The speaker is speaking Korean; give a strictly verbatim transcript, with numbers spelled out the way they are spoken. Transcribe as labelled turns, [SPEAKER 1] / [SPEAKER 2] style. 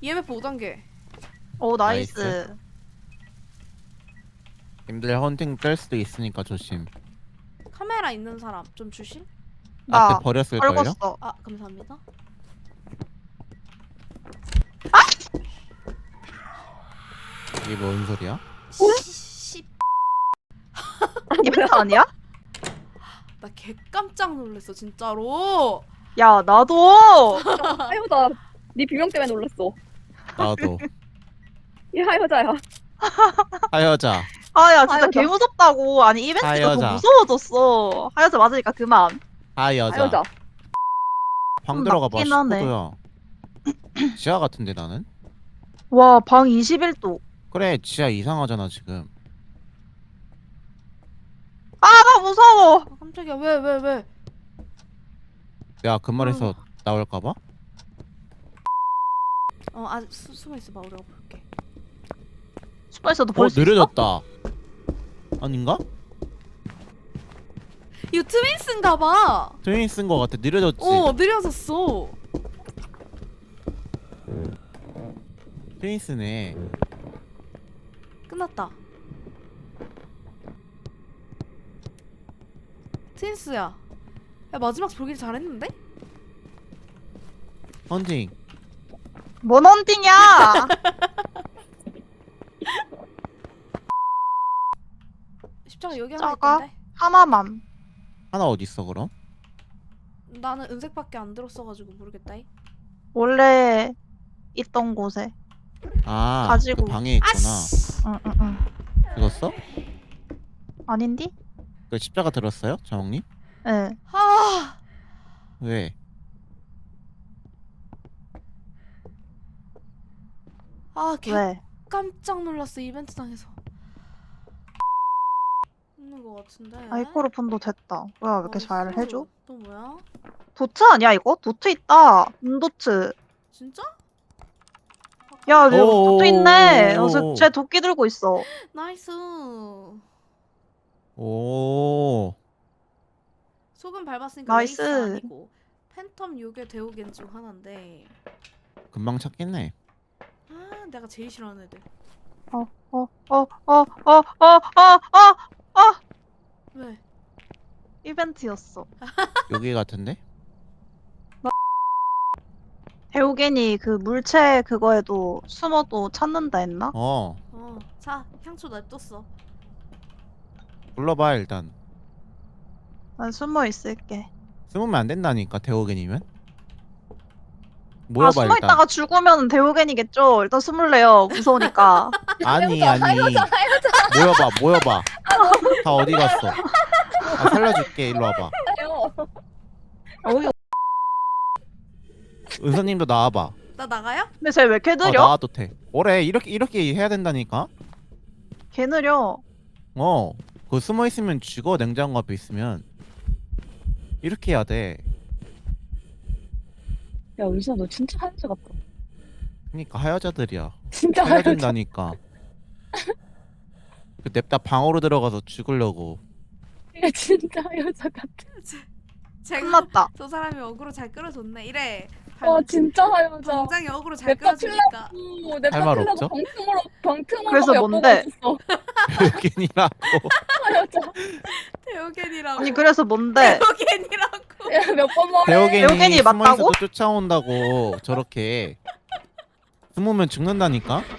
[SPEAKER 1] 이엠에프 오 단계.
[SPEAKER 2] 오 나이스.
[SPEAKER 3] 나이스. 님들 헌팅 뗄 수도 있으니까 조심.
[SPEAKER 1] 카메라 있는 사람 좀 주실?
[SPEAKER 2] 나
[SPEAKER 3] 앞에 버렸을걸요?
[SPEAKER 2] 떨궜어.
[SPEAKER 1] 아 감사합니다.
[SPEAKER 3] 이게 뭔 소리야?
[SPEAKER 1] 씨,
[SPEAKER 2] 이벤트 아니야?
[SPEAKER 1] 나 개 깜짝 놀랐어 진짜로.
[SPEAKER 2] 야 나도.
[SPEAKER 4] 하여자. 네 비명 때문에 놀랐어.
[SPEAKER 3] 나도.
[SPEAKER 4] 이 하여자야.
[SPEAKER 3] 하여자.
[SPEAKER 2] 아야 진짜
[SPEAKER 4] 하여자.
[SPEAKER 2] 개 무섭다고. 아니 이벤트가
[SPEAKER 3] 하여자.
[SPEAKER 2] 더 무서워졌어. 하여자 맞으니까 그만.
[SPEAKER 3] 하여자.
[SPEAKER 4] 하여자.
[SPEAKER 3] 방
[SPEAKER 2] 좀
[SPEAKER 3] 들어가 봐.
[SPEAKER 2] 낮긴 하네.
[SPEAKER 3] 십구 도야. 지하 같은데 나는?
[SPEAKER 2] 와 방 이십일 도.
[SPEAKER 3] 그래 지하 이상하잖아 지금.
[SPEAKER 2] 아 나 무서워.
[SPEAKER 1] 아, 깜짝이야 왜 왜 왜?
[SPEAKER 3] 내가 그 말에서 나올까봐?
[SPEAKER 1] 어 아직 수, 숨어 있어봐 우리가 볼게.
[SPEAKER 2] 슈퍼에서도
[SPEAKER 3] 어
[SPEAKER 2] 볼 수 있어?
[SPEAKER 3] 느려졌다. 아닌가?
[SPEAKER 1] 이거 트윈스인가봐.
[SPEAKER 3] 트윈 쓴 거 같아. 느려졌지.
[SPEAKER 1] 어 느려졌어.
[SPEAKER 3] 트윈스네.
[SPEAKER 1] 끝났다. 트윈스야. 야 마지막 보길 잘했는데?
[SPEAKER 3] 헌팅.
[SPEAKER 2] 뭔 헌팅이야?
[SPEAKER 1] 십자가 여기 하나
[SPEAKER 2] 십자가?
[SPEAKER 1] 있던데?
[SPEAKER 2] 하나만.
[SPEAKER 3] 하나 어디 있어 그럼?
[SPEAKER 1] 나는 은색밖에 안 들었어가지고 모르겠다.
[SPEAKER 2] 원래 있던 곳에.
[SPEAKER 3] 아,
[SPEAKER 2] 가지고.
[SPEAKER 3] 그 방에 있구나.
[SPEAKER 1] 아씨.
[SPEAKER 2] 응응응.
[SPEAKER 3] 들었어?
[SPEAKER 2] 아닌디?
[SPEAKER 3] 그 십자가 들었어요, 정님?
[SPEAKER 2] 예.
[SPEAKER 1] 아.
[SPEAKER 3] 왜?
[SPEAKER 1] 아, 개
[SPEAKER 2] 왜?
[SPEAKER 1] 깜짝 놀랐어 이벤트장에서. 있는 거 같은데.
[SPEAKER 2] 아이코르폰도 됐다. 뭐야 왜 이렇게 잘
[SPEAKER 1] 나이스.
[SPEAKER 2] 해줘?
[SPEAKER 1] 또 뭐야?
[SPEAKER 2] 도트 아니야 이거? 도트 있다. 음도트.
[SPEAKER 1] 진짜?
[SPEAKER 2] 야 여기
[SPEAKER 3] 오,
[SPEAKER 2] 도트 있네.
[SPEAKER 3] 오, 오,
[SPEAKER 2] 어,
[SPEAKER 3] 오.
[SPEAKER 2] 쟤 도끼 들고 있어.
[SPEAKER 1] 나이스.
[SPEAKER 3] 오.
[SPEAKER 1] 소금 밟았으니까
[SPEAKER 2] 나이스.
[SPEAKER 1] 레이스 아니고 팬텀 요괴 대우겐 중 하나인데.
[SPEAKER 3] 금방 찾겠네.
[SPEAKER 1] 아, 내가 제일 싫어하는 애들.
[SPEAKER 2] 어 어 어 어 어 어 어 어
[SPEAKER 1] 왜?
[SPEAKER 2] 이벤트였어.
[SPEAKER 3] 여기 같은데?
[SPEAKER 2] 배우겐이 그 물체 그거에도 숨어도 찾는다 했나?
[SPEAKER 3] 어.
[SPEAKER 1] 어, 자 향초 놔뒀어.
[SPEAKER 3] 불러봐 일단.
[SPEAKER 2] 난 숨어 있을게.
[SPEAKER 3] 숨으면 안 된다니까 대호겐이면.
[SPEAKER 2] 아
[SPEAKER 3] 모여봐
[SPEAKER 2] 숨어
[SPEAKER 3] 일단.
[SPEAKER 2] 있다가 죽으면 배우겐이겠죠. 일단 숨을래요. 무서우니까.
[SPEAKER 3] 아니 아니. 모여봐 모여봐. 다 어디 갔어? 아, 살려줄게. 일로 와봐.
[SPEAKER 4] 하여.
[SPEAKER 2] 어이.
[SPEAKER 3] 은서님도 나와봐.
[SPEAKER 1] 나 나가요?
[SPEAKER 2] 근데 쟤 왜 이렇게
[SPEAKER 3] 어,
[SPEAKER 2] 느려?
[SPEAKER 3] 나와도 돼. 뭐래? 이렇게 이렇게 해야 된다니까.
[SPEAKER 2] 개 느려.
[SPEAKER 3] 어. 그 숨어 있으면 죽어. 냉장고 앞에 있으면. 이렇게 해야 돼.
[SPEAKER 4] 야 은수야 너 진짜 하여자 같다.
[SPEAKER 3] 그러니까 하여자들이야.
[SPEAKER 4] 진짜 하여자.
[SPEAKER 3] 살려준다니까. 그 냅다 방으로 들어가서 죽으려고.
[SPEAKER 4] 야 진짜 하여자 같아.
[SPEAKER 1] 제가
[SPEAKER 2] 끝났다.
[SPEAKER 1] 저 사람이 어그로 잘 끌어줬네. 이래.
[SPEAKER 4] 와 진짜 하여자.
[SPEAKER 1] 당장에 어그로 잘
[SPEAKER 4] 냅다
[SPEAKER 1] 끌어주니까.
[SPEAKER 4] 오, 내
[SPEAKER 3] 할말
[SPEAKER 4] 파트너가
[SPEAKER 3] 없죠?
[SPEAKER 4] 병틈으로 병틈으로
[SPEAKER 2] 그래서
[SPEAKER 4] 엿보고
[SPEAKER 2] 뭔데?
[SPEAKER 4] 있었어.
[SPEAKER 3] 대호겐이라고.
[SPEAKER 4] 하여자.
[SPEAKER 1] 대우겐이라고.
[SPEAKER 2] 아니 그래서 뭔데?
[SPEAKER 1] 대우겐이라고.
[SPEAKER 4] 야몇번 말해.
[SPEAKER 3] 대호겐이
[SPEAKER 2] 대호겐이
[SPEAKER 3] 숨어
[SPEAKER 2] 맞다고?
[SPEAKER 3] 있어도 쫓아온다고. 저렇게. 숨으면 죽는다니까.